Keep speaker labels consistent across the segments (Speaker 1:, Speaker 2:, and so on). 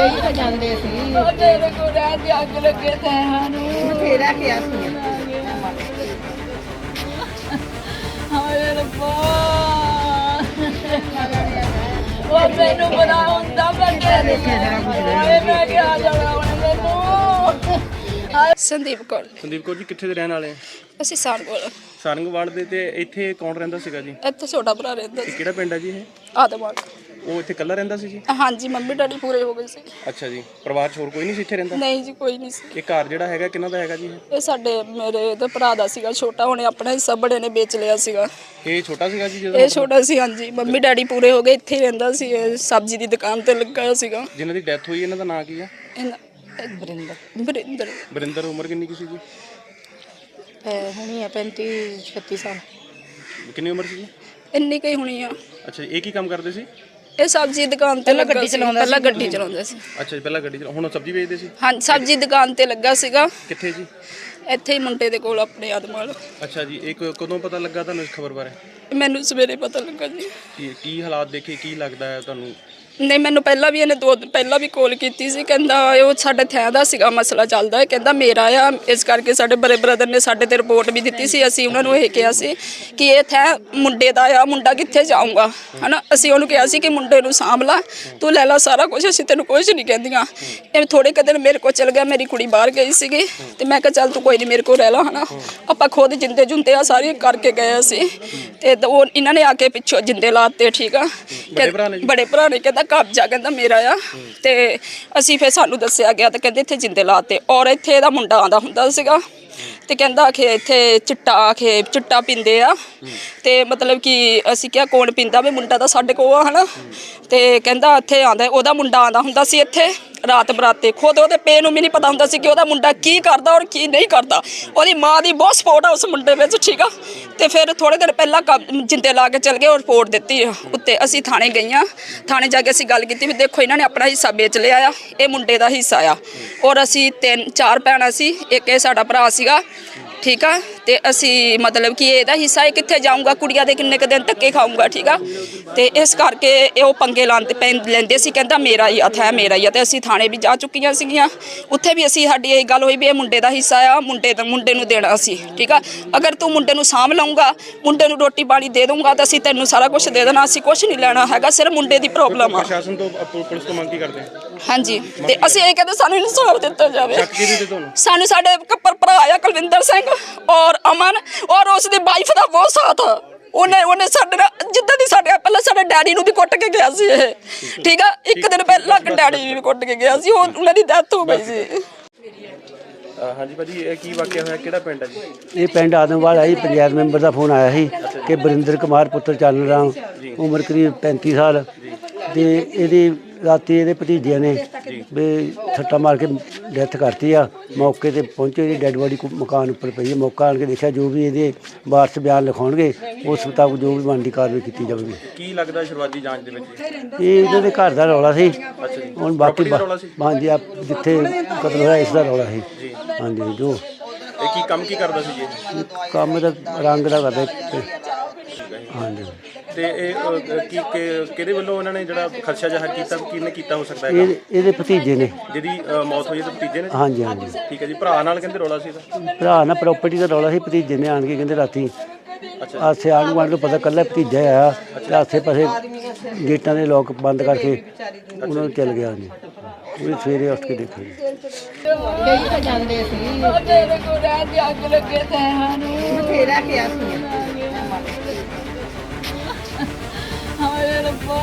Speaker 1: ਕਈ ਤਾਂ ਜਾਂਦੇ ਸੀ
Speaker 2: ਤੇਰੇ ਕੋਲ ਰਹਿ ਕੇ ਅੱਗ ਲੱਗੇ ਤੈਨੂੰ
Speaker 1: ਬਥੇਰਾ ਕਿਹਾ ਸੀ
Speaker 2: ਹਾਏ ਰੱਬਾ ਉਹ ਮੈਨੂੰ ਬਣਾ ਹੁੰਦਾ ਮੈਂ ਮੈਂ ਕਿਹਾ ਜਾਣਾ ਹੁਣ ਮੈਨੂੰ
Speaker 3: ਸੰਦੀਪ ਕੌਰ
Speaker 4: ਜੀ ਕਿੱਥੇ ਦੇ ਰਹਿਣ ਵਾਲੇ ਆ?
Speaker 3: ਅਸੀਂ ਸਾਰਗੋਲ
Speaker 4: ਸਾਰੰਗਵਾਲ ਦੇ। ਤੇ ਇੱਥੇ ਕੌਣ ਰਹਿੰਦਾ ਸੀਗਾ ਜੀ?
Speaker 3: ਇੱਥੇ ਛੋਟਾ ਭਰਾ ਰਹਿੰਦਾ
Speaker 4: ਇਹ
Speaker 3: ਸੀ
Speaker 4: ਕਿਹੜਾ ਪਿੰਡ ਹੈ ਜੀ ਇਹ?
Speaker 3: ਆਦਮਾਨ।
Speaker 4: ਉਹ ਇੱਥੇ ਇਕੱਲਾ ਰਹਿੰਦਾ ਸੀ ਜੀ?
Speaker 3: ਹਾਂਜੀ ਮੰਮੀ ਡੈਡੀ ਪੂਰੇ ਹੋ ਗਏ ਸੀ।
Speaker 4: ਅੱਛਾ ਜੀ, ਪਰਿਵਾਰ 'ਚ ਹੋਰ ਕੋਈ ਨਹੀਂ ਸੀ ਇੱਥੇ ਰਹਿੰਦਾ?
Speaker 3: ਨਹੀਂ ਜੀ ਕੋਈ ਨਹੀਂ ਸੀ।
Speaker 4: ਇਹ ਘਰ ਜਿਹੜਾ ਹੈਗਾ ਕਿਹਨਾਂ ਦਾ ਹੈਗਾ ਜੀ?
Speaker 3: ਇਹ ਸਾਡੇ ਮੇਰੇ ਤੇ ਭਰਾ ਦਾ ਸੀਗਾ ਛੋਟਾ, ਉਹਨੇ ਆਪਣਾ ਹਿੱਸਾ ਬੜੇ ਨੇ ਵੇਚ ਲਿਆ ਸੀਗਾ।
Speaker 4: ਇਹ ਛੋਟਾ ਸੀਗਾ ਜੀ ਜਦੋਂ?
Speaker 3: ਇਹ ਛੋਟਾ ਸੀ ਹਾਂਜੀ। ਮੰਮੀ ਡੈਡੀ ਪੂਰੇ ਹੋ ਗਏ, ਇੱਥੇ ਹੀ ਰਹਿੰਦਾ ਸੀ। ਇਹ ਸਬਜ਼ੀ ਦੀ ਦੁਕਾਨ ਤੇ ਲੱਗਾ ਹੋਇਆ ਸੀਗਾ।
Speaker 4: ਜਿਨ੍ਹਾਂ ਦੀ ਡੈਥ ਹੋਈ ਇਹਨਾਂ ਦਾ ਨਾਂ ਕੀ ਆ?
Speaker 3: ਬਰਿੰਦਰ।
Speaker 4: ਬਰਿੰਦਰ। ਉਮਰ ਕਿੰਨੀ ਕੀ ਸੀ ਜੀ?
Speaker 1: ਹੁਣੀ ਆ 35-36 ਸਾਲ।
Speaker 4: ਕਿੰਨੀ ਉਮਰ ਸੀ ਜੀ?
Speaker 3: ਇੰਨੀ ਕਈ ਹੋਣੀ ਆ।
Speaker 4: ਅੱਛਾ ਜੀ, ਇਹ ਕੀ ਕੰਮ ਕਰਦੇ ਸੀ?
Speaker 3: ਇਹ ਸਬਜ਼ੀ ਦੀ ਦੁਕਾਨ ਤੇ ਲੱਗਾ ਸੀ। ਪਹਿਲਾਂ ਗੱਡੀ ਚਲਾਉਂਦਾ ਸੀ।
Speaker 4: ਅੱਛਾ ਜੀ, ਪਹਿਲਾਂ ਗੱਡੀ ਹੁਣ ਸਬਜ਼ੀ ਵੇਚਦੇ ਸੀ?
Speaker 3: ਹਾਂਜੀ ਸਬਜ਼ੀ ਦੁਕਾਨ ਤੇ ਲੱਗਾ ਸੀਗਾ।
Speaker 4: ਕਿੱਥੇ ਜੀ?
Speaker 3: ਇੱਥੇ ਹੀ ਮੁੰਡੇ ਦੇ ਕੋਲ ਆਪਣੇ ਆਦਮਾਲ।
Speaker 4: ਅੱਛਾ ਜੀ, ਇਹ ਕਦੋਂ ਪਤਾ ਲੱਗਾ ਤੁਹਾਨੂੰ ਇਸ ਖਬਰ ਬਾਰੇ?
Speaker 3: ਮੈਨੂੰ ਸਵੇਰੇ ਪਤਾ ਲੱਗਾ ਜੀ।
Speaker 4: ਕੀ ਹਾਲਾਤ ਦੇਖੇ, ਕੀ ਲੱਗਦਾ ਹੈ ਤੁਹਾਨੂੰ?
Speaker 3: ਨਹੀਂ ਮੈਨੂੰ ਪਹਿਲਾਂ ਵੀ ਇਹਨੇ 2 ਦਿਨ ਪਹਿਲਾਂ ਵੀ ਕਾਲ ਕੀਤੀ ਸੀ। ਕਹਿੰਦਾ ਉਹ ਸਾਡੇ ਥੈਂ ਦਾ ਸੀਗਾ ਮਸਲਾ ਚੱਲਦਾ ਹੈ। ਕਹਿੰਦਾ ਮੇਰਾ ਆ, ਇਸ ਕਰਕੇ ਸਾਡੇ ਬੜੇ ਬ੍ਰਦਰ ਨੇ ਸਾਡੇ ਤੇ ਰਿਪੋਰਟ ਵੀ ਦਿੱਤੀ ਸੀ। ਅਸੀਂ ਉਹਨਾਂ ਨੂੰ ਇਹ ਕਿਹਾ ਸੀ ਕਿ ਇਹ ਥੈਂ ਮੁੰਡੇ ਦਾ ਆ, ਮੁੰਡਾ ਕਿੱਥੇ ਜਾਊਗਾ ਹਨਾ। ਅਸੀਂ ਉਹਨੂੰ ਕਿਹਾ ਸੀ ਕਿ ਮੁੰਡੇ ਨੂੰ ਸਾਂਭ ਲਾ, ਤੂੰ ਲੈ ਲਾ ਸਾਰਾ ਕੁਝ, ਅਸੀਂ ਤੈਨੂੰ ਕੁਝ ਨਹੀਂ ਕਹਿੰਦੀਆਂ। ਇਹ ਥੋੜੇ ਕੁ ਦਿਨ ਮੇਰੇ ਕੋਲ ਚਲ ਗਿਆ, ਮੇਰੀ ਕੁੜੀ ਬਾਹਰ ਗਈ ਸੀਗੀ ਤੇ ਮੈਂ ਕਿਹਾ ਚੱਲ ਤੂੰ ਕੋਈ ਨਹੀਂ ਮੇਰੇ ਕੋਲ ਰਹਿ ਲਾ ਹਨਾ। ਆਪਾਂ ਖੁਦ ਜਿੰਦੇ ਜੁੰਦੇ ਆ ਸਾਰੀ ਕਰਕੇ ਗਏ ਸੀ ਤੇ ਉਹ ਇਹਨਾਂ ਨੇ ਆ ਕੇ ਪਿੱਛੋਂ ਜਿੰਦੇ ਲਾਤੇ। ਠੀਕ ਆ, ਬੜੇ ਭਰਾ ਨੇ ਕਹਿੰਦਾ ਕਬਜ਼ਾ ਕਹਿੰਦਾ ਮੇਰਾ ਆ। ਤੇ ਅਸੀਂ ਫਿਰ ਸਾਨੂੰ ਦੱਸਿਆ ਗਿਆ ਤੇ ਕਹਿੰਦੇ ਇੱਥੇ ਜਿੰਦੇ ਲਾਤੇ। ਔਰ ਇੱਥੇ ਇਹਦਾ ਮੁੰਡਾ ਆਂਦਾ ਹੁੰਦਾ ਸੀਗਾ ਤੇ ਕਹਿੰਦਾ ਕਿ ਇੱਥੇ ਚਿੱਟਾ ਪੀਂਦੇ ਆ। ਤੇ ਮਤਲਬ ਕਿ ਅਸੀਂ ਕਿਹਾ ਕੌਣ ਪੀਂਦਾ? ਵੀ ਮੁੰਡਾ ਤਾਂ ਸਾਡੇ ਕੋਲ ਆ ਹਨਾ। ਤੇ ਕਹਿੰਦਾ ਇੱਥੇ ਆਂਦਾ, ਉਹਦਾ ਮੁੰਡਾ ਆਂਦਾ ਹੁੰਦਾ ਸੀ ਇੱਥੇ ਰਾਤ ਬਰਾਤੇ। ਖੁਦ ਉਹਦੇ ਪੇ ਨੂੰ ਵੀ ਨਹੀਂ ਪਤਾ ਹੁੰਦਾ ਸੀ ਕਿ ਉਹਦਾ ਮੁੰਡਾ ਕੀ ਕਰਦਾ ਔਰ ਕੀ ਨਹੀਂ ਕਰਦਾ। ਉਹਦੀ ਮਾਂ ਦੀ ਬਹੁਤ ਸਪੋਰਟ ਆ ਉਸ ਮੁੰਡੇ ਵਿੱਚ। ਠੀਕ ਆ, ਤੇ ਫਿਰ ਥੋੜੇ ਦਿਨ ਪਹਿਲਾਂ ਜਿੰਦੇ ਲਾ ਕੇ ਚਲ ਗਏ ਔਰ ਰਿਪੋਰਟ ਦਿੱਤੀ ਉੱਤੇ। ਅਸੀਂ ਥਾਣੇ ਗਈਆਂ, ਥਾਣੇ ਜਾ ਕੇ ਅਸੀਂ ਗੱਲ ਕੀਤੀ ਵੀ ਦੇਖੋ ਇਹਨਾਂ ਨੇ ਆਪਣਾ ਹਿੱਸਾ ਵੇਚ ਲਿਆ ਆ, ਇਹ ਮੁੰਡੇ ਦਾ ਹਿੱਸਾ ਆ। ਔਰ ਅਸੀਂ 3-4 ਭੈਣਾਂ ਸੀ, ਇੱਕ ਇਹ ਸਾਡਾ ਭਰਾ ਸੀਗਾ। ਠੀਕ ਆ, ਤੇ ਅਸੀਂ ਮਤਲਬ ਕਿ ਇਹਦਾ ਹਿੱਸਾ ਇਹ ਕਿੱਥੇ ਜਾਊਗਾ, ਕੁੜੀਆਂ ਦੇ ਕਿੰਨੇ ਕੁ ਦਿਨ ਧੱਕੇ ਖਾਊਗਾ। ਠੀਕ ਆ, ਤੇ ਇਸ ਕਰਕੇ ਇਹ ਉਹ ਪੰਗੇ ਲੈਂਦੇ ਸੀ। ਕਹਿੰਦਾ ਮੇਰਾ ਹੀ ਹੱਥ ਹੈ, ਮੇਰਾ ਹੀ ਆ। ਤੇ ਅਸੀਂ ਥਾਣੇ ਵੀ ਜਾ ਚੁੱਕੀਆਂ ਸੀਗੀਆਂ, ਉੱਥੇ ਵੀ ਅਸੀਂ ਸਾਡੀ ਇਹ ਗੱਲ ਹੋਈ ਵੀ ਇਹ ਮੁੰਡੇ ਦਾ ਹਿੱਸਾ ਆ, ਮੁੰਡੇ ਨੂੰ ਦੇਣਾ ਸੀ। ਠੀਕ ਆ, ਅਗਰ ਤੂੰ ਮੁੰਡੇ ਨੂੰ ਸਾਂਭ ਲਊਂਗਾ, ਮੁੰਡੇ ਨੂੰ ਰੋਟੀ ਪਾਣੀ ਦੇ ਦਊਂਗਾ ਤਾਂ ਅਸੀਂ ਤੈਨੂੰ ਸਾਰਾ ਕੁਝ ਦੇ ਦੇਣਾ, ਅਸੀਂ ਕੁਝ ਨਹੀਂ ਲੈਣਾ ਹੈਗਾ, ਸਿਰਫ ਮੁੰਡੇ ਦੀ ਪ੍ਰੋਬਲਮ ਆ।
Speaker 4: ਪ੍ਰਸ਼ਾਸਨ ਤੋਂ ਪੁਲਿਸ ਤੋਂ ਮੰਗ ਕੀ ਕਰਦੇ ਆ?
Speaker 3: ਹਾਂਜੀ, ਤੇ ਅਸੀਂ ਇਹ ਕਹਿੰਦੇ ਸਾਨੂੰ ਇਨਸਾਫ ਦਿੱਤਾ ਜਾਵੇ।
Speaker 4: ਸ਼ੱਕ ਕਿਹਦੇ ਤੇ ਤੁਹਾਨੂੰ?
Speaker 3: ਸਾਨੂੰ ਸਾਡੇ ਕੱਪਰ ਭਰਾ ਆ ਕੁਲਵਿੰਦਰ ਸਿੰਘ ਔਰ ਅਮਨ ਔਰ ਉਸ ਦੀ ਵਾਈਫ ਦਾ ਬਹੁਤ ਸਾਥ। ਉਹਨੇ ਸਾਡੇ ਨਾਲ ਜਿੱਦਾਂ ਦੀ ਸਾਡੇ ਪਹਿਲਾਂ ਸਾਡੇ ਡੈਡੀ ਨੂੰ ਵੀ ਕੁੱਟ ਕੇ ਗਿਆ ਸੀ ਇਹ। ਠੀਕ ਆ, ਇੱਕ ਦਿਨ ਪਹਿਲਾਂ ਡੈਡੀ ਵੀ ਕੁੱਟ ਕੇ ਗਿਆ ਸੀ, ਉਹਨਾਂ ਦੀ ਡੈਥ ਹੋ ਗਈ ਸੀ।
Speaker 4: ਹਾਂਜੀ ਭਾਜੀ, ਇਹ ਕੀ ਵਾਕਿਆ ਹੋਇਆ? ਕਿਹੜਾ ਪਿੰਡ ਹੈ ਜੀ?
Speaker 5: ਇਹ ਪਿੰਡ ਆਦਮਵਾਲ ਹੈ ਜੀ। ਪੰਚਾਇਤ ਮੈਂਬਰ ਦਾ ਫੋਨ ਆਇਆ ਸੀ ਕਿ ਬਰਿੰਦਰ ਕੁਮਾਰ ਪੁੱਤਰ ਚਰਨ ਰਾਮ ਉਮਰ ਕਰੀਬ 35 ਸਾਲ ਤੇ ਇਹਦੀ ਰਾਤੀ ਇਹਦੇ ਭਤੀਜਿਆਂ ਨੇ ਵੀ ਸੱਟਾ ਮਾਰ ਕੇ ਡੈਥ ਕਰਤੀ ਆ। ਮੌਕੇ ਤੇ ਪਹੁੰਚੇ, ਇਹਦੀ ਡੈੱਡ ਬੋਡੀ ਮਕਾਨ ਉੱਪਰ ਪਈ ਹੈ। ਮੌਕਾ ਆਣ ਕੇ ਦੇਖਿਆ, ਜੋ ਵੀ ਇਹਦੇ ਵਾਰਸ ਬਿਆਨ ਲਿਖਾਉਣਗੇ ਉਸ ਮੁਤਾਬਕ ਜੋ ਵੀ ਬਣਦੀ ਕਾਰਵਾਈ ਕੀਤੀ ਜਾਵੇਗੀ।
Speaker 4: ਕੀ ਲੱਗਦਾ ਸ਼ੁਰੂਆਤੀ ਜਾਂਚ ਦੇ ਵਿੱਚ?
Speaker 5: ਇਹ ਇਹਨਾਂ ਦੇ ਘਰ ਦਾ ਰੌਲਾ ਸੀ। ਹੁਣ ਬਾਕੀ ਹਾਂਜੀ ਜਿੱਥੇ ਕਤਲ ਹੋਇਆ ਇਸ ਦਾ ਰੌਲਾ ਸੀ। ਹਾਂਜੀ, ਜੋ
Speaker 4: ਇਹ ਕੀ ਕੰਮ ਕੀ ਕਰਦਾ ਸੀ ਜੀ?
Speaker 5: ਕੰਮ ਦਾ ਰੰਗ ਦਾ ਕਰਦੇ। ਹਾਂਜੀ,
Speaker 4: ਤੇ ਇਹ ਕਿਹਦੇ ਵੱਲੋਂ ਉਹਨਾਂ ਨੇ ਜਿਹੜਾ ਖਰਚਾ ਜ਼ਾਹਰ ਕੀਤਾ, ਕਿਹਨੇ ਕੀਤਾ ਹੋ ਸਕਦਾ ਹੈ?
Speaker 5: ਇਹਦੇ ਭਤੀਜੇ ਨੇ
Speaker 4: ਜਿਹਦੀ ਮੌਤ ਹੋਈ, ਤੇ ਭਤੀਜੇ ਨੇ?
Speaker 5: ਹਾਂਜੀ ਹਾਂਜੀ,
Speaker 4: ਠੀਕ ਹੈ ਜੀ। ਭਰਾ ਨਾਲ ਕਹਿੰਦੇ ਰੌਲਾ ਸੀ ਇਹਦਾ?
Speaker 5: ਭਰਾ ਨਾਲ ਪ੍ਰਾਪਰਟੀ ਦਾ ਰੌਲਾ ਸੀ। ਭਤੀਜੇ ਨੇ ਆਣ ਕੇ ਕਹਿੰਦੇ ਰਾਤੀ ਆਸੇ ਆਣ ਨੂੰ ਪਤਾ ਕੱਲਾ ਭਤੀਜਾ ਆਇਆ ਤੇ ਆਸੇ ਪਾਸੇ ਗੇਟਾਂ ਦੇ ਲੋਕ ਬੰਦ ਕਰਕੇ ਉਹਨਾਂ ਨੂੰ ਚਲ ਗਿਆ ਜੀ। ਉਹ ਸਵੇਰੇ ਉੱਠ ਕੇ ਦੇਖਿਆ ਜੀ।
Speaker 1: ਕਈ ਤਾਂ ਜਾਂਦੇ ਸੀ
Speaker 2: ਤੇਰੇ ਕੋਲ ਰਹਿ ਕੇ ਅੱਗ ਲੱਗੇ ਤੈਨੂੰ
Speaker 1: ਬਥੇਰਾ ਕਿਹਾ ਸੀ
Speaker 2: ਹਾਏ ਰੱਬਾ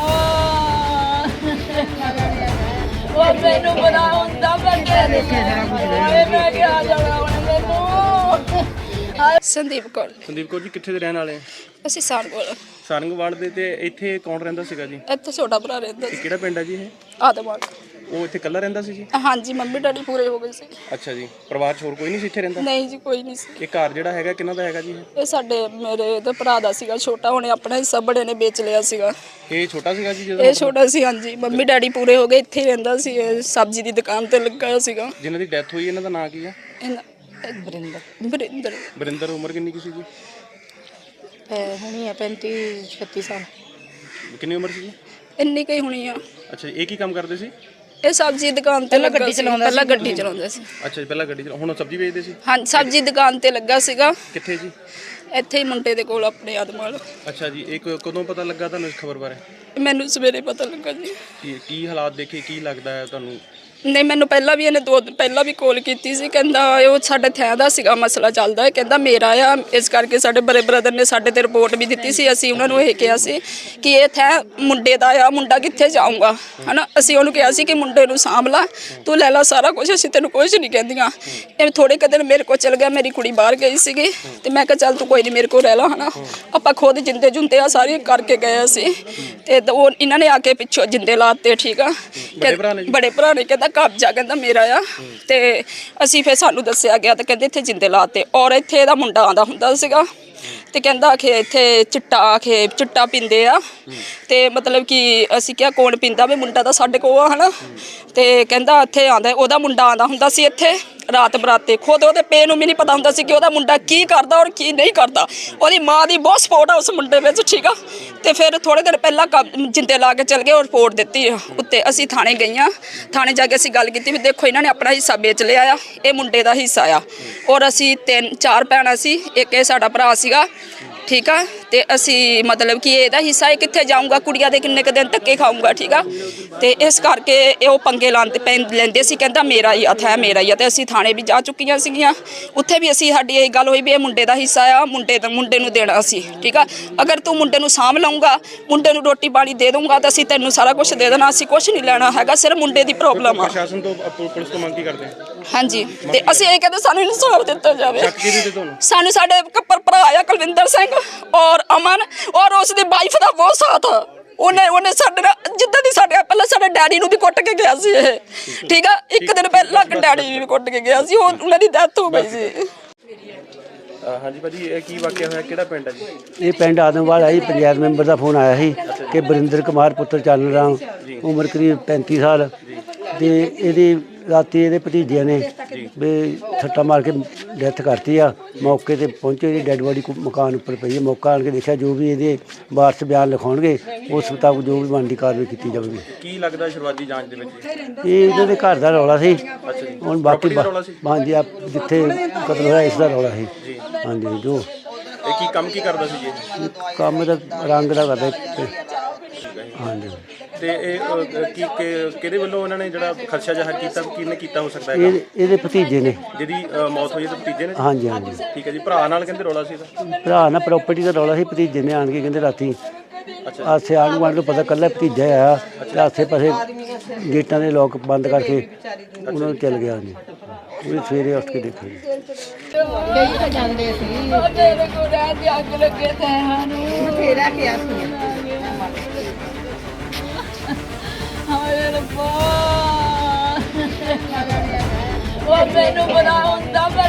Speaker 2: ਉਹ ਮੈਨੂੰ ਬਣਾ ਹੁੰਦਾ ਮੈਂ ਮੈਂ ਕਿਹਾ ਜਾਣਾ ਹੁਣ ਮੈਨੂੰ।
Speaker 3: ਸੰਦੀਪ ਕੌਰ
Speaker 4: ਜੀ ਕਿੱਥੇ ਦੇ ਰਹਿਣ ਵਾਲੇ ਆ?
Speaker 3: ਅਸੀਂ ਸਾਰਗੋਲ
Speaker 4: ਸਾਰੰਗਵਾਲ ਦੇ। ਤੇ ਇੱਥੇ ਕੌਣ ਰਹਿੰਦਾ ਸੀਗਾ ਜੀ?
Speaker 3: ਇੱਥੇ ਛੋਟਾ ਭਰਾ ਰਹਿੰਦਾ ਸੀ।
Speaker 4: ਕਿਹੜਾ ਪਿੰਡ ਹੈ ਜੀ ਇਹ?
Speaker 3: ਆਦਮਾਨ।
Speaker 4: ਉਹ ਇੱਥੇ ਇਕੱਲਾ ਰਹਿੰਦਾ ਸੀ ਜੀ?
Speaker 3: ਹਾਂਜੀ ਮੰਮੀ ਡੈਡੀ ਪੂਰੇ ਹੋ ਗਏ ਸੀ।
Speaker 4: ਅੱਛਾ ਜੀ, ਪਰਿਵਾਰ 'ਚ ਹੋਰ ਕੋਈ ਨਹੀਂ ਸੀ ਇੱਥੇ ਰਹਿੰਦਾ?
Speaker 3: ਨਹੀਂ ਜੀ ਕੋਈ ਨਹੀਂ ਸੀ।
Speaker 4: ਇਹ ਘਰ ਜਿਹੜਾ ਹੈਗਾ ਕਿਹਨਾਂ ਦਾ ਹੈਗਾ ਜੀ?
Speaker 3: ਇਹ ਸਾਡੇ ਮੇਰੇ ਤੇ ਭਰਾ ਦਾ ਸੀਗਾ ਛੋਟਾ, ਉਹਨੇ ਆਪਣਾ ਹਿੱਸਾ ਬੜੇ ਨੇ ਵੇਚ ਲਿਆ ਸੀਗਾ।
Speaker 4: ਇਹ ਛੋਟਾ ਸੀਗਾ ਜੀ ਜਦੋਂ?
Speaker 3: ਇਹ ਛੋਟਾ ਸੀ ਹਾਂਜੀ। ਮੰਮੀ ਡੈਡੀ ਪੂਰੇ ਹੋ ਗਏ, ਇੱਥੇ ਹੀ ਰਹਿੰਦਾ ਸੀ। ਇਹ ਸਬਜ਼ੀ ਦੀ ਦੁਕਾਨ ਤੇ ਲੱਗਾ ਹੋਇਆ ਸੀਗਾ।
Speaker 4: ਜਿਨ੍ਹਾਂ ਦੀ ਡੈਥ ਹੋਈ ਇਹਨਾਂ ਦਾ ਨਾਂ ਕੀ ਆ?
Speaker 3: ਬਰਿੰਦਰ।
Speaker 4: ਬਰਿੰਦਰ। ਉਮਰ ਕਿੰਨੀ ਕੀ ਸੀ ਜੀ?
Speaker 1: ਹੁਣੀ ਆ 35-36 ਸਾਲ।
Speaker 4: ਕਿੰਨੀ ਉਮਰ ਸੀ ਜੀ?
Speaker 3: ਇੰਨੀ ਕਈ ਹੋਣੀ ਆ।
Speaker 4: ਅੱਛਾ ਜੀ, ਇਹ ਕੀ ਕੰਮ ਕਰਦੇ ਸੀ?
Speaker 3: ਇਹ ਸਬਜ਼ੀ ਦੁਕਾਨ ਤੇ ਲੱਗਾ ਸੀ ਪਹਿਲਾਂ ਗੱਡੀ ਚਲਾਉਂਦਾ ਸੀ
Speaker 4: ਅੱਛਾ ਜੀ, ਪਹਿਲਾਂ ਗੱਡੀ ਹੁਣ ਸਬਜ਼ੀ ਵੇਚਦੇ ਸੀ।
Speaker 3: ਹਾਂ ਸਬਜ਼ੀ ਦੁਕਾਨ ਤੇ ਲੱਗਾ ਸੀਗਾ
Speaker 4: ਕਿੱਥੇ ਜੀ?
Speaker 3: ਇੱਥੇ ਹੀ ਮੁੰਡੇ ਦੇ ਕੋਲ ਆਪਣੇ ਆਦਮਾਲ।
Speaker 4: ਅੱਛਾ ਜੀ, ਇਹ ਕਦੋਂ ਪਤਾ ਲੱਗਾ ਤੁਹਾਨੂੰ ਇਸ ਖਬਰ ਬਾਰੇ?
Speaker 3: ਮੈਨੂੰ ਸਵੇਰੇ ਪਤਾ ਲੱਗਾ ਜੀ।
Speaker 4: ਕੀ ਹਾਲਾਤ ਦੇਖੇ, ਕੀ ਲੱਗਦਾ ਹੈ ਤੁਹਾਨੂੰ?
Speaker 3: ਨਹੀਂ ਮੈਨੂੰ ਪਹਿਲਾਂ ਵੀ ਇਹਨੇ 2 ਦਿਨ ਪਹਿਲਾਂ ਵੀ ਕਾਲ ਕੀਤੀ ਸੀ, ਕਹਿੰਦਾ ਉਹ ਸਾਡੇ ਥੈਂ ਦਾ ਸੀਗਾ ਮਸਲਾ ਚੱਲਦਾ ਹੈ, ਕਹਿੰਦਾ ਮੇਰਾ ਆ, ਇਸ ਕਰਕੇ ਸਾਡੇ ਬੜੇ ਬ੍ਰਦਰ ਨੇ ਸਾਡੇ ਤੇ ਰਿਪੋਰਟ ਵੀ ਦਿੱਤੀ ਸੀ। ਅਸੀਂ ਉਹਨਾਂ ਨੂੰ ਇਹ ਕਿਹਾ ਸੀ ਕਿ ਇਹ ਥੈਂ ਮੁੰਡੇ ਦਾ ਆ, ਮੁੰਡਾ ਕਿੱਥੇ ਜਾਊਗਾ ਹਨਾ। ਅਸੀਂ ਉਹਨੂੰ ਕਿਹਾ ਸੀ ਕਿ ਮੁੰਡੇ ਨੂੰ ਸਾਂਭ ਲਾ, ਤੂੰ ਲੈ ਲਾ ਸਾਰਾ ਕੁਝ, ਅਸੀਂ ਤੈਨੂੰ ਕੁਝ ਨਹੀਂ ਕਹਿੰਦੀਆਂ। ਇਹ ਥੋੜੇ ਕੁ ਦਿਨ ਮੇਰੇ ਕੋਲ ਚਲ ਗਿਆ, ਮੇਰੀ ਕੁੜੀ ਬਾਹਰ ਗਈ ਸੀਗੀ ਤੇ ਮੈਂ ਕਿਹਾ ਚੱਲ ਤੂੰ ਕੋਈ ਨਹੀਂ ਮੇਰੇ ਕੋਲ ਰਹਿ ਲਾ ਹਨਾ। ਆਪਾਂ ਖੁਦ ਜਿੰਦੇ ਜੁੰਦੇ ਆ ਸਾਰੀ ਕਰਕੇ ਗਏ ਸੀ ਤੇ ਉਹ ਇਹਨਾਂ ਨੇ ਆ ਕੇ ਪਿੱਛੋਂ ਜਿੰਦੇ ਲਾਤੇ। ਠੀਕ ਆ, ਬੜੇ ਭਰਾ ਨੇ ਕਹਿੰਦਾ ਕਬਜ਼ਾ ਕਹਿੰਦਾ ਮੇਰਾ ਆ ਤੇ ਅਸੀਂ ਫਿਰ ਸਾਨੂੰ ਦੱਸਿਆ ਗਿਆ ਤੇ ਕਹਿੰਦੇ ਇੱਥੇ ਜਿੰਦੇ ਲਾਤੇ। ਔਰ ਇੱਥੇ ਇਹਦਾ ਮੁੰਡਾ ਆਂਦਾ ਹੁੰਦਾ ਸੀਗਾ ਤੇ ਕਹਿੰਦਾ ਕਿ ਇੱਥੇ ਚਿੱਟਾ ਪੀਂਦੇ ਆ ਤੇ ਮਤਲਬ ਕਿ ਅਸੀਂ ਕਿਹਾ ਕੌਣ ਪੀਂਦਾ ਵੀ ਮੁੰਡਾ ਤਾਂ ਸਾਡੇ ਕੋਲ ਆ ਹਨਾ। ਤੇ ਕਹਿੰਦਾ ਇੱਥੇ ਆਂਦਾ, ਉਹਦਾ ਮੁੰਡਾ ਆਂਦਾ ਹੁੰਦਾ ਸੀ ਇੱਥੇ ਰਾਤ ਬਰਾਤੇ। ਖੁਦ ਉਹਦੇ ਪੇ ਨੂੰ ਵੀ ਨਹੀਂ ਪਤਾ ਹੁੰਦਾ ਸੀ ਕਿ ਉਹਦਾ ਮੁੰਡਾ ਕੀ ਕਰਦਾ ਔਰ ਕੀ ਨਹੀਂ ਕਰਦਾ। ਉਹਦੀ ਮਾਂ ਦੀ ਬਹੁਤ ਸਪੋਰਟ ਆ ਉਸ ਮੁੰਡੇ ਵਿੱਚ। ਠੀਕ ਆ, ਤੇ ਫਿਰ ਥੋੜੇ ਦਿਨ ਪਹਿਲਾਂ ਜਿੰਦੇ ਲਾ ਕੇ ਚਲ ਗਏ ਔਰ ਰਿਪੋਰਟ ਦਿੱਤੀ ਉੱਤੇ। ਅਸੀਂ ਥਾਣੇ ਗਈਆਂ, ਥਾਣੇ ਜਾ ਕੇ ਅਸੀਂ ਗੱਲ ਕੀਤੀ ਵੀ ਦੇਖੋ ਇਹਨਾਂ ਨੇ ਆਪਣਾ ਹਿੱਸਾ ਵੇਚ ਲਿਆ ਆ, ਇਹ ਮੁੰਡੇ ਦਾ ਹਿੱਸਾ ਆ। ਔਰ ਅਸੀਂ 3-4 ਭੈਣਾਂ ਸੀ, ਇੱਕ ਇਹ ਸਾਡਾ ਭਰਾ ਸੀਗਾ। ਠੀਕ ਆ, ਤੇ ਅਸੀਂ ਮਤਲਬ ਕਿ ਇਹਦਾ ਹਿੱਸਾ ਇਹ ਕਿੱਥੇ ਜਾਊਗਾ, ਕੁੜੀਆਂ ਦੇ ਕਿੰਨੇ ਕੁ ਦਿਨ ਧੱਕੇ ਖਾਊਗਾ। ਠੀਕ ਆ, ਤੇ ਇਸ ਕਰਕੇ ਇਹ ਉਹ ਪੰਗੇ ਲੈਂਦੇ ਸੀ, ਕਹਿੰਦਾ ਮੇਰਾ ਹੀ ਹੱਥ ਹੈ, ਮੇਰਾ ਹੀ ਆ। ਤੇ ਅਸੀਂ ਥਾਣੇ ਵੀ ਜਾ ਚੁੱਕੀਆਂ ਸੀਗੀਆਂ, ਉੱਥੇ ਵੀ ਅਸੀਂ ਸਾਡੀ ਇਹ ਗੱਲ ਹੋਈ ਵੀ ਇਹ ਮੁੰਡੇ ਦਾ ਹਿੱਸਾ ਆ, ਮੁੰਡੇ ਨੂੰ ਦੇਣਾ ਸੀ। ਠੀਕ ਆ, ਅਗਰ ਤੂੰ ਮੁੰਡੇ ਨੂੰ ਸਾਂਭ ਲਊਂਗਾ, ਮੁੰਡੇ ਨੂੰ ਰੋਟੀ ਪਾਣੀ ਦੇ ਦਊਂਗਾ ਤਾਂ ਅਸੀਂ ਤੈਨੂੰ ਸਾਰਾ ਕੁਝ ਦੇ ਦੇਣਾ, ਅਸੀਂ ਕੁਝ ਨਹੀਂ ਲੈਣਾ ਹੈਗਾ, ਸਿਰਫ ਮੁੰਡੇ ਦੀ ਪ੍ਰੋਬਲਮ ਆ।
Speaker 4: ਪ੍ਰਸ਼ਾਸਨ ਤੋਂ ਪੁਲਿਸ ਤੋਂ ਮੰਗ ਕੀ ਕਰਦੇ?
Speaker 3: ਹਾਂਜੀ, ਤੇ ਅਸੀਂ ਇਹ ਕਹਿੰਦੇ ਸਾਨੂੰ ਇਨਸਾਫ ਦਿੱਤਾ ਜਾਵੇ।
Speaker 4: ਸ਼ੱਕ ਕਿਹਦੇ ਤੇ ਤੁਹਾਨੂੰ?
Speaker 3: ਸਾਨੂੰ ਸਾਡੇ ਕੱਪਰ ਭਰਾ ਆ ਕੁਲਵਿੰਦਰ ਸਿੰਘ ਔਰ ਅਮਨ ਔਰ ਉਸ ਦੀ ਵਾਈਫ ਦਾ ਬਹੁਤ ਸਾਥ ਆ। ਉਹਨੇ ਸਾਡੇ ਨਾਲ ਜਿੱਦਾਂ ਦੀ ਸਾਡੇ ਪਹਿਲਾਂ ਸਾਡੇ ਡੈਡੀ ਨੂੰ ਵੀ ਕੁੱਟ ਕੇ ਗਿਆ ਸੀ ਇਹ। ਠੀਕ ਆ, ਇੱਕ ਦਿਨ ਪਹਿਲਾਂ ਡੈਡੀ ਵੀ ਕੁੱਟ ਕੇ ਗਿਆ ਸੀ, ਉਹਨਾਂ ਦੀ ਡੈਥ ਹੋ ਗਈ ਸੀ।
Speaker 4: ਹਾਂਜੀ ਭਾਜੀ, ਇਹ ਕੀ ਵਾਕਿਆ ਹੋਇਆ, ਕਿਹੜਾ ਪਿੰਡ ਹੈ ਜੀ?
Speaker 5: ਇਹ ਪਿੰਡ ਆਦਮਵਾਲ ਆਈ, ਪੰਚਾਇਤ ਮੈਂਬਰ ਦਾ ਫੋਨ ਆਇਆ ਸੀ ਕਿ ਬਰਿੰਦਰ ਕੁਮਾਰ ਪੁੱਤਰ ਚਾਨਣ ਰਾਮ, ਉਮਰ ਕਰੀਬ 35 ਸਾਲ ਤੇ ਇਹਦੀ ਰਾਤੀ ਇਹਦੇ ਭਤੀਜਿਆਂ ਨੇ ਵੀ ਸੱਟਾ ਮਾਰ ਕੇ ਡੈਥ ਕਰਤੀ ਆ। ਮੌਕੇ ਤੇ ਪਹੁੰਚੇ, ਇਹਦੀ ਡੈੱਡ ਬੋਡੀ ਮਕਾਨ ਉੱਪਰ ਪਈ ਹੈ। ਮੌਕਾ ਆਣ ਕੇ ਦੇਖਿਆ, ਜੋ ਵੀ ਇਹਦੇ ਵਾਰਸ ਬਿਆਨ ਲਿਖਾਉਣਗੇ ਉਸ ਮੁਤਾਬਕ ਜੋ ਵੀ ਬਣਦੀ ਕਾਰਵਾਈ ਕੀਤੀ ਜਾਵੇਗੀ।
Speaker 4: ਕੀ ਲੱਗਦਾ ਸ਼ੁਰੂਆਤੀ ਜਾਂਚ ਦੇ ਵਿੱਚ?
Speaker 5: ਇਹ ਇਹਨਾਂ ਦੇ ਘਰ ਦਾ ਰੌਲਾ ਸੀ। ਹੁਣ ਬਾਕੀ ਹਾਂਜੀ ਜਿੱਥੇ ਕਤਲ ਹੋਇਆ ਇਸ ਦਾ ਰੌਲਾ ਸੀ। ਹਾਂਜੀ, ਜੋ
Speaker 4: ਇਹ ਕੀ ਕੰਮ ਕੀ ਕਰਦਾ ਸੀ ਜੀ?
Speaker 5: ਕੰਮ ਦਾ ਰੰਗ ਦਾ ਕਰਦਾ। ਹਾਂਜੀ,
Speaker 4: ਤੇ ਇਹ ਕਿਹਦੇ ਵੱਲੋਂ ਉਹਨਾਂ ਨੇ ਜਿਹੜਾ ਖਰਚਾ ਜ਼ਾਹਰ ਕੀਤਾ, ਕਿਹਨੇ ਕੀਤਾ ਹੋ ਸਕਦਾ ਹੈ?
Speaker 5: ਇਹਦੇ ਭਤੀਜੇ ਨੇ
Speaker 4: ਜਿਹਦੀ ਮੌਤ ਹੋਈ ਹੈ, ਤੇ ਭਤੀਜੇ ਨੇ?
Speaker 5: ਹਾਂਜੀ ਹਾਂਜੀ,
Speaker 4: ਠੀਕ ਹੈ ਜੀ। ਭਰਾ ਨਾਲ ਕਹਿੰਦੇ ਰੌਲਾ ਸੀ ਇਹਦਾ?
Speaker 5: ਭਰਾ ਨਾਲ ਪ੍ਰਾਪਰਟੀ ਦਾ ਰੌਲਾ ਸੀ। ਭਤੀਜੇ ਨੇ ਆਣ ਕੇ ਕਹਿੰਦੇ ਰਾਤੀ ਆਸੇ ਆਣ ਗੁਆਂਢ ਨੂੰ ਪਤਾ ਕੱਲਾ ਭਤੀਜਾ ਆਇਆ ਤੇ ਆਸੇ ਪਾਸੇ ਗੇਟਾਂ ਦੇ ਲੋਕ ਬੰਦ ਕਰਕੇ ਉਹਨਾਂ ਨੂੰ ਚਲ ਗਿਆ ਜੀ। ਉਹ ਸਵੇਰੇ ਉੱਠ ਕੇ ਦੇਖੋ ਜੀ।
Speaker 1: ਕਈ ਤਾਂ ਜਾਂਦੇ ਸੀ
Speaker 2: ਤੇਰੇ ਕੋਲ ਰਹਿ ਕੇ ਅੱਗ ਲੱਗੇ ਤੈਂ ਨੂੰ
Speaker 1: ਬਥੇਰਾ ਕਿਹਾ ਸੀ।
Speaker 2: ਹਾਏ ਰੱਬਾ, ਉਹ ਮੈਨੂੰ ਬਣਾ ਹੁੰਦਾ ਮੈਂ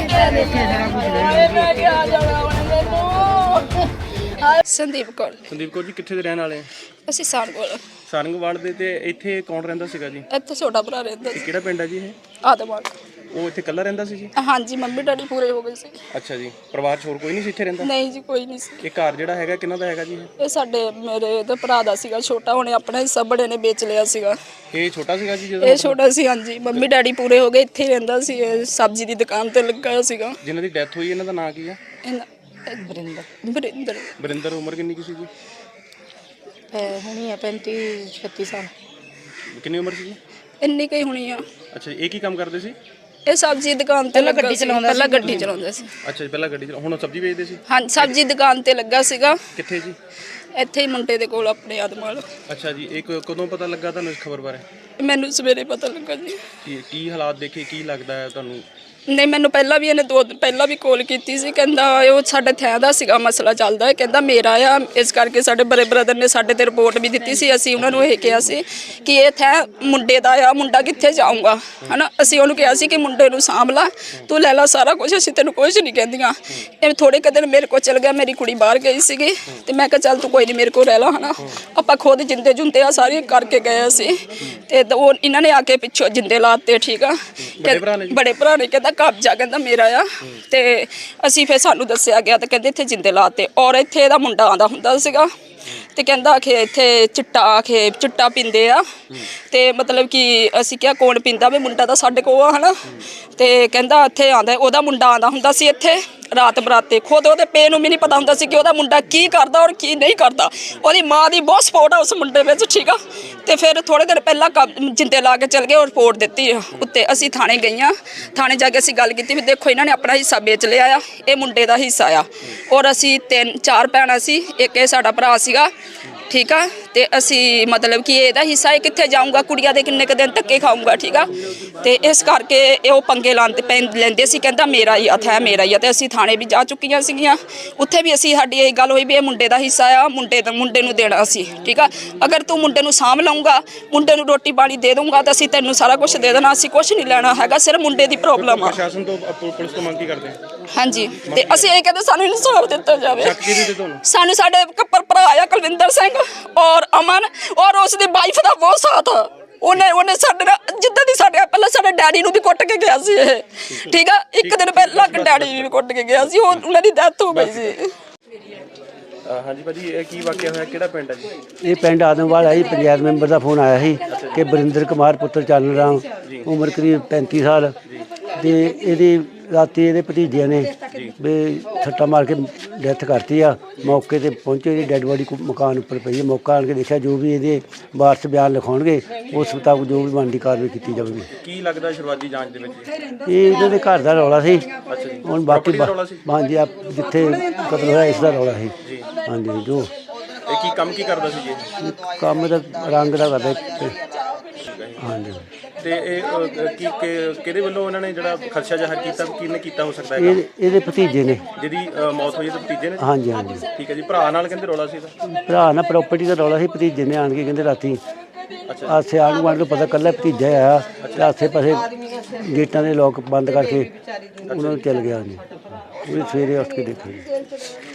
Speaker 2: ਕਿਹਾ ਜਾਣਾ ਹੁਣ ਮੈਨੂੰ।
Speaker 3: ਸੰਦੀਪ ਕੌਰ।
Speaker 4: ਸੰਦੀਪ ਕੌਰ ਜੀ, ਕਿੱਥੇ ਦੇ ਰਹਿਣ ਵਾਲੇ ਆ?
Speaker 3: ਅਸੀਂ ਸਾਰਗੋਲ
Speaker 4: ਸਾਰੰਗਵਾਲ ਦੇ। ਤੇ ਇੱਥੇ ਕੌਣ ਰਹਿੰਦਾ ਸੀਗਾ ਜੀ?
Speaker 3: ਇੱਥੇ ਛੋਟਾ ਭਰਾ ਰਹਿੰਦਾ
Speaker 4: ਇਹ
Speaker 3: ਸੀ
Speaker 4: ਕਿਹੜਾ ਪਿੰਡ ਹੈ ਜੀ ਇਹ?
Speaker 3: ਆਦਮਾਲ।
Speaker 4: ਉਹ ਇੱਥੇ ਇਕੱਲਾ ਰਹਿੰਦਾ ਸੀ ਜੀ?
Speaker 3: ਹਾਂਜੀ, ਮੰਮੀ ਡੈਡੀ ਪੂਰੇ ਹੋ ਗਏ ਸੀ।
Speaker 4: ਅੱਛਾ ਜੀ, ਪਰਿਵਾਰ 'ਚ ਹੋਰ ਕੋਈ ਨਹੀਂ ਸੀ ਇੱਥੇ ਰਹਿੰਦਾ?
Speaker 3: ਨਹੀਂ ਜੀ, ਕੋਈ ਨਹੀਂ ਸੀ।
Speaker 4: ਇਹ ਘਰ ਜਿਹੜਾ ਹੈਗਾ ਕਿਹਨਾਂ ਦਾ ਹੈਗਾ ਜੀ?
Speaker 3: ਇਹ ਸਾਡੇ ਮੇਰੇ ਤੇ ਭਰਾ ਦਾ ਸੀਗਾ ਛੋਟਾ, ਉਹਨੇ ਆਪਣਾ ਹਿੱਸਾ ਬੜੇ ਨੇ ਵੇਚ ਲਿਆ ਸੀਗਾ।
Speaker 4: ਇਹ ਛੋਟਾ ਸੀਗਾ ਜੀ ਜਦੋਂ?
Speaker 3: ਇਹ ਛੋਟਾ ਸੀ, ਹਾਂਜੀ। ਮੰਮੀ ਡੈਡੀ ਪੂਰੇ ਹੋ ਗਏ, ਇੱਥੇ ਹੀ ਰਹਿੰਦਾ ਸੀ। ਇਹ ਸਬਜ਼ੀ ਦੀ ਦੁਕਾਨ ਤੇ ਲੱਗਾ ਸੀਗਾ।
Speaker 4: ਜਿਨ੍ਹਾਂ ਦੀ ਡੈਥ ਹੋਈ ਇਹਨਾਂ ਦਾ ਨਾਂ ਕੀ ਆ?
Speaker 3: ਬਰਿੰਦਰ।
Speaker 4: ਬਰਿੰਦਰ। ਉਮਰ ਕਿੰਨੀ ਕੀ ਸੀ ਜੀ?
Speaker 1: ਹੁਣੀ ਆ 35-36 ਸਾਲ।
Speaker 4: ਕਿੰਨੀ ਉਮਰ ਸੀ ਜੀ?
Speaker 3: ਇੰਨੀ ਕਈ ਹੋਣੀ ਆ।
Speaker 4: ਅੱਛਾ ਜੀ, ਇਹ ਕੀ ਕੰਮ ਕਰਦੇ ਸੀ?
Speaker 3: ਇਹ ਸਬਜ਼ੀ ਦੁਕਾਨ ਤੇ ਲੱਗਾ ਸੀ, ਪਹਿਲਾਂ ਗੱਡੀ ਚਲਾਉਂਦਾ ਸੀ।
Speaker 4: ਅੱਛਾ ਜੀ, ਪਹਿਲਾਂ ਗੱਡੀ ਹੁਣ ਸਬਜ਼ੀ ਵੇਚਦੇ ਸੀ?
Speaker 3: ਹਾਂ, ਸਬਜ਼ੀ ਦੁਕਾਨ ਤੇ ਲੱਗਾ ਸੀਗਾ।
Speaker 4: ਕਿੱਥੇ ਜੀ?
Speaker 3: ਇੱਥੇ ਹੀ ਮੁੰਡੇ ਦੇ ਕੋਲ ਆਪਣੇ ਆਦਮਾਲ।
Speaker 4: ਅੱਛਾ ਜੀ, ਇਹ ਕਦੋਂ ਪਤਾ ਲੱਗਾ ਤੁਹਾਨੂੰ ਇਸ ਖਬਰ ਬਾਰੇ?
Speaker 3: ਮੈਨੂੰ ਸਵੇਰੇ ਪਤਾ ਲੱਗਾ ਜੀ।
Speaker 4: ਕੀ ਹਾਲਾਤ ਦੇਖੇ, ਕੀ ਲੱਗਦਾ ਹੈ ਤੁਹਾਨੂੰ?
Speaker 3: ਨਹੀਂ ਮੈਨੂੰ ਪਹਿਲਾਂ ਵੀ ਇਹਨੇ 2 ਦਿਨ ਪਹਿਲਾਂ ਵੀ ਕਾਲ ਕੀਤੀ ਸੀ, ਕਹਿੰਦਾ ਉਹ ਸਾਡੇ ਥੈਂ ਦਾ ਸੀਗਾ ਮਸਲਾ ਚੱਲਦਾ ਹੈ, ਕਹਿੰਦਾ ਮੇਰਾ ਆ, ਇਸ ਕਰਕੇ ਸਾਡੇ ਬੜੇ ਬ੍ਰਦਰ ਨੇ ਸਾਡੇ ਤੇ ਰਿਪੋਰਟ ਵੀ ਦਿੱਤੀ ਸੀ। ਅਸੀਂ ਉਹਨਾਂ ਨੂੰ ਇਹ ਕਿਹਾ ਸੀ ਕਿ ਇਹ ਥੈਂ ਮੁੰਡੇ ਦਾ ਆ, ਮੁੰਡਾ ਕਿੱਥੇ ਜਾਊਗਾ ਹਨਾ। ਅਸੀਂ ਉਹਨੂੰ ਕਿਹਾ ਸੀ ਕਿ ਮੁੰਡੇ ਨੂੰ ਸਾਂਭ ਲਾ, ਤੂੰ ਲੈ ਲਾ ਸਾਰਾ ਕੁਝ, ਅਸੀਂ ਤੈਨੂੰ ਕੁਝ ਨਹੀਂ ਕਹਿੰਦੀਆਂ। ਇਹ ਥੋੜੇ ਕੁ ਦਿਨ ਮੇਰੇ ਕੋਲ ਚਲ ਗਿਆ, ਮੇਰੀ ਕੁੜੀ ਬਾਹਰ ਗਈ ਸੀਗੀ ਤੇ ਮੈਂ ਕਿਹਾ ਚੱਲ ਤੂੰ ਕੋਈ ਨਹੀਂ ਮੇਰੇ ਕੋਲ ਰਹਿ ਲਾ ਹਨਾ। ਆਪਾਂ ਖੁਦ ਜਿੰਦੇ ਜੁੰਦੇ ਆ ਸਾਰੀ ਕਰਕੇ ਗਏ ਸੀ ਤੇ ਉਹ ਇਹਨਾਂ ਨੇ ਆ ਕੇ ਪਿੱਛੋਂ ਜਿੰਦੇ ਲਾਤੇ। ਠੀਕ ਆ, ਬੜੇ ਭਰਾ ਨੇ ਕਹਿੰਦਾ ਕਬਜ਼ਾ ਕਹਿੰਦਾ ਮੇਰਾ ਆ ਤੇ ਅਸੀਂ ਫਿਰ ਸਾਨੂੰ ਦੱਸਿਆ ਗਿਆ ਤੇ ਕਹਿੰਦੇ ਇੱਥੇ ਜਿੰਦੇ ਲਾਤੇ। ਔਰ ਇੱਥੇ ਇਹਦਾ ਮੁੰਡਾ ਆਂਦਾ ਹੁੰਦਾ ਸੀਗਾ ਤੇ ਕਹਿੰਦਾ ਕਿ ਇੱਥੇ ਚਿੱਟਾ ਪੀਂਦੇ ਆ ਤੇ ਮਤਲਬ ਕਿ ਅਸੀਂ ਕਿਹਾ ਕੌਣ ਪੀਂਦਾ ਵੀ ਮੁੰਡਾ ਤਾਂ ਸਾਡੇ ਕੋਲ ਆ ਹਨਾ ਤੇ ਕਹਿੰਦਾ ਇੱਥੇ ਆਂਦਾ ਉਹਦਾ ਮੁੰਡਾ ਆਂਦਾ ਹੁੰਦਾ ਸੀ ਇੱਥੇ ਰਾਤ ਬਰਾਤੇ ਖੁਦ ਉਹਦੇ ਪੇ ਨੂੰ ਵੀ ਨਹੀਂ ਪਤਾ ਹੁੰਦਾ ਸੀ ਕਿ ਉਹਦਾ ਮੁੰਡਾ ਕੀ ਕਰਦਾ ਔਰ ਕੀ ਨਹੀਂ ਕਰਦਾ। ਉਹਦੀ ਮਾਂ ਦੀ ਬਹੁਤ ਸਪੋਰਟ ਆ ਉਸ ਮੁੰਡੇ ਵਿੱਚ, ਠੀਕ ਆ। ਤੇ ਫਿਰ ਥੋੜੇ ਦਿਨ ਪਹਿਲਾਂ ਜਿੰਦੇ ਲਾ ਕੇ ਚਲ ਗਏ ਔਰ ਰਿਪੋਰਟ ਦਿੱਤੀ ਉੱਤੇ। ਅਸੀਂ ਥਾਣੇ ਗਈਆਂ, ਥਾਣੇ ਜਾ ਕੇ ਅਸੀਂ ਗੱਲ ਕੀਤੀ ਵੀ ਦੇਖੋ ਇਹਨਾਂ ਨੇ ਆਪਣਾ ਹਿੱਸਾ ਵੇਚ ਲਿਆ ਆ, ਇਹ ਮੁੰਡੇ ਦਾ ਹਿੱਸਾ ਆ ਔਰ ਅਸੀਂ 3-4 ਭੈਣਾਂ ਸੀ, ਇੱਕ ਇਹ ਸਾਡਾ ਭਰਾ ਸੀਗਾ, ਠੀਕ ਆ। ਤੇ ਅਸੀਂ ਮਤਲਬ ਕਿ ਇਹਦਾ ਹਿੱਸਾ ਇਹ ਕਿੱਥੇ ਜਾਊਗਾ, ਕੁੜੀਆਂ ਦੇ ਕਿੰਨੇ ਕੁ ਦਿਨ ਧੱਕੇ ਖਾਊਗਾ, ਠੀਕ ਆ। ਤੇ ਇਸ ਕਰਕੇ ਇਹ ਉਹ ਪੰਗੇ ਲੈਂਦੇ ਸੀ, ਕਹਿੰਦਾ ਮੇਰਾ ਹੀ ਹੱਥ ਹੈ ਮੇਰਾ ਹੀ ਆ। ਤੇ ਅਸੀਂ ਥਾਣੇ ਵੀ ਜਾ ਚੁੱਕੀਆਂ ਸੀਗੀਆਂ, ਉੱਥੇ ਵੀ ਅਸੀਂ ਸਾਡੀ ਇਹ ਗੱਲ ਹੋਈ ਵੀ ਇਹ ਮੁੰਡੇ ਦਾ ਹਿੱਸਾ ਆ, ਮੁੰਡੇ ਨੂੰ ਦੇਣਾ ਸੀ, ਠੀਕ ਆ। ਅਗਰ ਤੂੰ ਮੁੰਡੇ ਨੂੰ ਸਾਂਭ ਲਊਂਗਾ, ਮੁੰਡੇ ਨੂੰ ਰੋਟੀ ਪਾਣੀ ਦੇ ਦਊਂਗਾ ਤਾਂ ਅਸੀਂ ਤੈਨੂੰ ਸਾਰਾ ਕੁਝ ਦੇ ਦੇਣਾ, ਅਸੀਂ ਕੁਝ ਨਹੀਂ ਲੈਣਾ ਹੈਗਾ, ਸਿਰਫ ਮੁੰਡੇ ਦੀ ਪ੍ਰੋਬਲਮ ਆ।
Speaker 4: ਪ੍ਰਸ਼ਾਸਨ ਤੋਂ ਪੁਲਿਸ ਤੋਂ ਮੰਗ ਕੀ ਕਰਦੇ ਆ?
Speaker 3: ਹਾਂਜੀ, ਤੇ ਅਸੀਂ ਇਹ ਕਹਿੰਦੇ ਸਾਨੂੰ ਇਨਸਾਫ ਦਿੱਤਾ ਜਾਵੇ।
Speaker 4: ਸ਼ੱਕ ਕਿਹਦੇ ਤੇ ਤੁਹਾਨੂੰ?
Speaker 3: ਸਾਨੂੰ ਸਾਡੇ ਕੱਪਰ ਭਰਾ ਆ ਕੁਲਵਿੰਦਰ ਸਿੰਘ ਔਰ ਅਮਨ ਔਰ ਉਸ ਦੀ ਵਾਈਫ ਦਾ ਬਹੁਤ ਸਾਥ ਆ। ਉਹਨੇ ਸਾਡੇ ਨਾਲ ਜਿੱਦਾਂ ਦੀ ਸਾਡੇ ਪਹਿਲਾਂ ਸਾਡੇ ਡੈਡੀ ਨੂੰ ਵੀ ਕੁੱਟ ਕੇ ਗਿਆ ਸੀ ਇਹ, ਠੀਕ ਆ। ਇੱਕ ਦਿਨ ਪਹਿਲਾਂ ਡੈਡੀ ਵੀ ਕੁੱਟ ਕੇ ਗਿਆ ਸੀ, ਉਹਨਾਂ ਦੀ ਡੈਥ ਹੋ ਗਈ ਸੀ।
Speaker 4: ਹਾਂਜੀ ਭਾਜੀ, ਇਹ ਕੀ ਵਾਕਿਆ ਹੋਇਆ, ਕਿਹੜਾ ਪਿੰਡ ਹੈ ਜੀ?
Speaker 5: ਇਹ ਪਿੰਡ ਆਦਮਵਾਲ ਹੈ ਜੀ। ਪੰਚਾਇਤ ਮੈਂਬਰ ਦਾ ਫੋਨ ਆਇਆ ਸੀ ਕਿ ਬਰਿੰਦਰ ਕੁਮਾਰ ਪੁੱਤਰ ਚਾਨਣ ਰਾਮ ਉਮਰ ਕਰੀਬ 35 ਸਾਲ ਤੇ ਇਹਦੀ ਰਾਤੀ ਇਹਦੇ ਭਤੀਜਿਆਂ ਨੇ ਵੀ ਸੱਟਾ ਮਾਰ ਕੇ ਡੈਥ ਕਰਤੀ ਆ। ਮੌਕੇ ਤੇ ਪਹੁੰਚੇ, ਇਹਦੀ ਡੈੱਡ ਬੋਡੀ ਮਕਾਨ ਉੱਪਰ ਪਈ ਹੈ। ਮੌਕਾ ਆਣ ਕੇ ਦੇਖਿਆ, ਜੋ ਵੀ ਇਹਦੇ ਵਾਰਸ ਬਿਆਨ ਲਿਖਾਉਣਗੇ ਉਸ ਮੁਤਾਬਕ ਜੋ ਵੀ ਬਣਦੀ ਕਾਰਵਾਈ ਕੀਤੀ ਜਾਵੇਗੀ।
Speaker 4: ਕੀ ਲੱਗਦਾ ਸ਼ੁਰੂਆਤੀ ਜਾਂਚ ਦੇ ਵਿੱਚ
Speaker 5: ਇਹ ਇਹਨਾਂ ਦੇ ਘਰ ਦਾ ਰੌਲਾ ਸੀ। ਹੁਣ ਬਾਕੀ
Speaker 4: ਰੌਲਾ ਸੀ?
Speaker 5: ਹਾਂਜੀ, ਜਿੱਥੇ ਕਤਲ ਹੋਇਆ ਇਸ ਦਾ ਰੌਲਾ ਸੀ। ਹਾਂਜੀ, ਜੋ
Speaker 4: ਇਹ ਕੀ ਕੰਮ ਕੀ ਕਰਦਾ ਸੀ ਜੀ?
Speaker 5: ਕੰਮ ਦਾ ਰੰਗ ਦਾ ਕਰਦਾ। ਹਾਂਜੀ,
Speaker 4: ਤੇ ਇਹ ਕਿਹਦੇ ਵੱਲੋਂ ਉਹਨਾਂ ਨੇ ਜਿਹੜਾ ਖਰਚਾ ਜ਼ਾਹਰ ਕੀਤਾ, ਕਿਹਨੇ ਕੀਤਾ ਹੋ ਸਕਦਾ ਹੈ?
Speaker 5: ਇਹਦੇ ਭਤੀਜੇ ਨੇ
Speaker 4: ਜਿਹਦੀ ਮੌਤ ਹੋਈ, ਤੇ ਭਤੀਜੇ ਨੇ?
Speaker 5: ਹਾਂਜੀ ਹਾਂਜੀ,
Speaker 4: ਠੀਕ ਹੈ ਜੀ। ਭਰਾ ਨਾਲ ਕਹਿੰਦੇ ਰੌਲਾ ਸੀ ਇਹਦਾ?
Speaker 5: ਭਰਾ ਨਾਲ ਪ੍ਰਾਪਰਟੀ ਦਾ ਰੌਲਾ ਸੀ। ਭਤੀਜੇ ਨੇ ਆਣ ਕੇ ਕਹਿੰਦੇ ਰਾਤੀ ਆਸੇ ਆਣ ਨੂੰ ਪਤਾ ਕੱਲਾ ਭਤੀਜਾ ਆਇਆ ਤੇ ਆਸੇ ਪਾਸੇ ਗੇਟਾਂ ਦੇ ਲੋਕ ਬੰਦ ਕਰਕੇ ਉਹਨਾਂ ਨੂੰ ਚੱਲ ਗਿਆ ਜੀ। ਉਹ ਸਵੇਰੇ ਉੱਠ ਕੇ ਦੇਖਿਆ ਜੀ।